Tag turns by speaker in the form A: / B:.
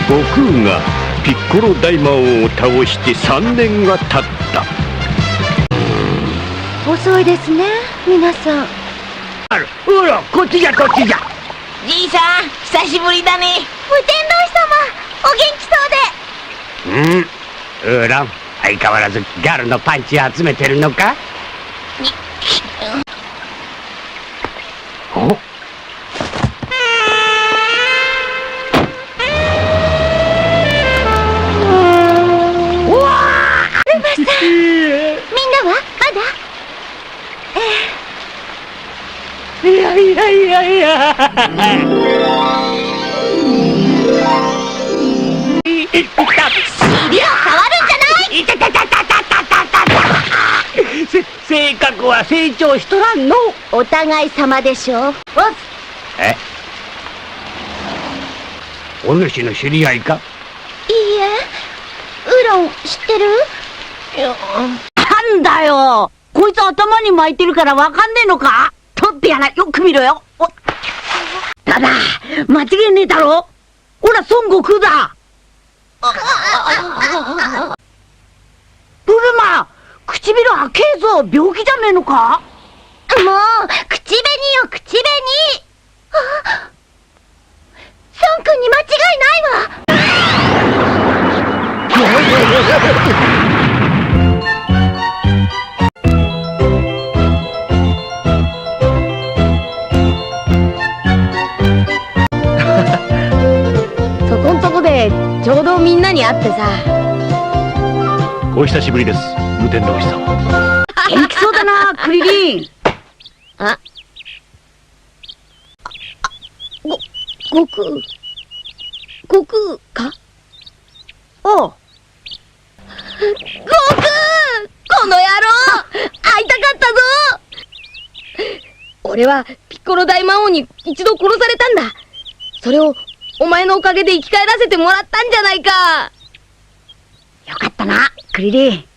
A: 悟空がピッコロ大魔王を倒して3年が経った。
B: 遅いですね、皆さん。
A: ほら、こっちじゃこっちじゃ。
C: じいさん、久しぶりだね。
B: 無天童様、お元気そうで。
A: ウーロン、相変わらずギャルのパンチ集めてるのか？お？
B: みんなはまだ？
A: いやいやいやいや。
B: いや、触るんじゃない！
A: 性格は成長しとらんの。
B: お互い様でしょう。
A: え？お主の知り合いか？
B: いいえ、ウロン知ってる？
C: なんだよ、こいつ頭に巻いてるからわかんねえのか？とってやら、よく見ろよ。ただ、間違いねえだろ。ほら、孫悟空だ。ブルマ、唇開けえぞ。病気じゃねえのか？
B: もう、口紅よ、口紅。孫君に間違いないわ。
C: そこんとこでちょうどみんなに会ってさ。
A: お久しぶりです、無天童さん。
C: 元気そうだな、クリリン。
B: 悟空か？
C: おう。
B: 悟空！この野郎！会いたかったぞ！
D: 俺はピッコロ大魔王に一度殺されたんだ。それをお前のおかげで生き返らせてもらったんじゃないか。
C: よかったな、クリリン。